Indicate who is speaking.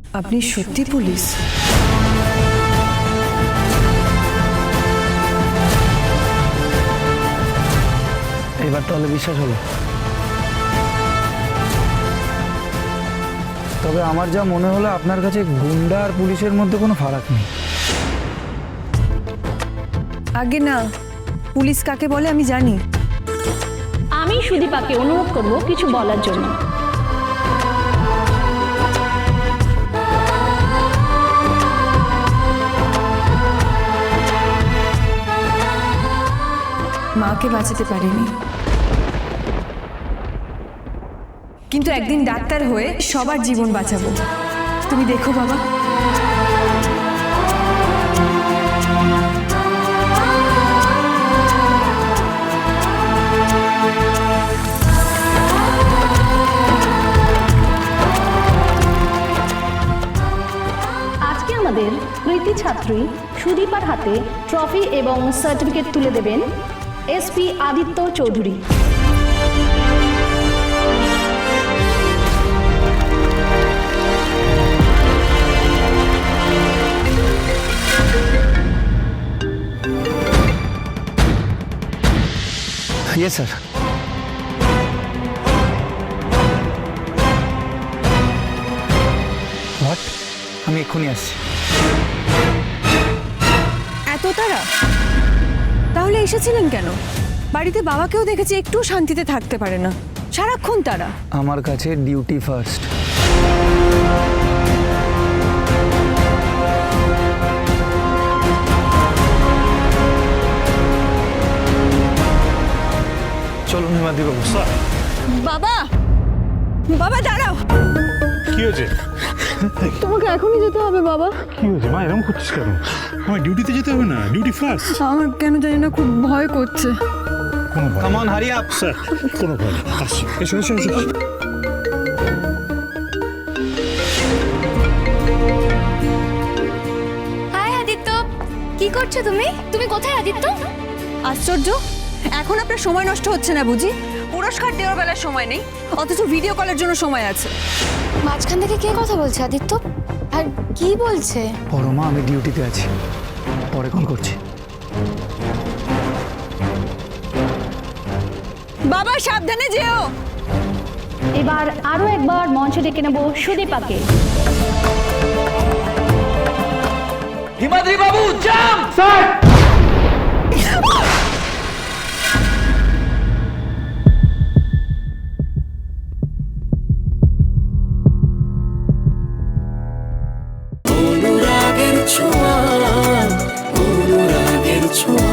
Speaker 1: আপনি সত্যি পুলিশ?
Speaker 2: এবার তাহলে বিশ্বাস হলো। তবে আমার যা মনে হলো আপনার কাছে গুন্ডা আর পুলিশের মধ্যে কোনো ফারাক নেই।
Speaker 1: আগে না, পুলিশ কাকে বলে আমি জানি।
Speaker 3: আমি সুদীপাকে অনুরোধ করব কিছু বলার জন্য।
Speaker 1: মাকে বাঁচাতে পারিনি, কিন্তু একদিন ডাক্তার হয়ে সবার জীবন বাঁচাবো। তুমি দেখো বাবা।
Speaker 3: আজকে আমাদের কৃতি ছাত্রী সুদীপার হাতে ট্রফি এবং সার্টিফিকেট তুলে দেবেন SP Aditya Chowdhury.
Speaker 2: Yes sir. What? আমি এক্ষুনি আসছি।
Speaker 1: এত তারা? তাহলে এসেছিলেন কেন? বাড়িতে বাবাকেও দেখেছি, একটু শান্তিতে থাকতে পারে না, সারাক্ষণ তারা।
Speaker 2: আমার কাছে ডিউটি ফার্স্ট। চলুন হিমাদ্রিবাবু। স্যার।
Speaker 1: বাবা, বাবা দাঁড়াও।
Speaker 4: কি হয়েছে?
Speaker 1: তোমাকে এখনই যেতে হবে বাবা।
Speaker 4: কি হয়েছে মা, এরকম করছিস কেন? আমার ডিউটিতে যেতে হবে না, ডিউটি ফার্স্ট।
Speaker 1: আমার কেন জানি না খুব ভয় করছে।
Speaker 4: কোনো ভয়
Speaker 2: come on, hurry up.
Speaker 4: Sir, কোনো ভয় নেই, আসছি। এসো এসো এসো।
Speaker 5: হাই আদিত্য, কি করছো তুমি? তুমি কোথায় আদিত্য?
Speaker 1: আশ্চর্য, এখন আপনার সময় নষ্ট হচ্ছে না বুঝি? পুরস্কার দেওয়ার বেলার সময় নেই, অথচ ভিডিও কলের জন্য সময় আছে।
Speaker 5: মাঝখান থেকে কে কথা বলছে আদিত্য? আর কি বলছে?
Speaker 2: পরমা, আমি ডিউটিতে আছি, পরে কল করছি।
Speaker 1: বাবা সাবধানে যেও।
Speaker 3: এবার আরো একবার মঞ্চে ডেকে নেব সুদীপাকে।
Speaker 2: হিমাদ্রিবাবু জাম। স্যার।
Speaker 6: অনুরাগের ছোঁয়া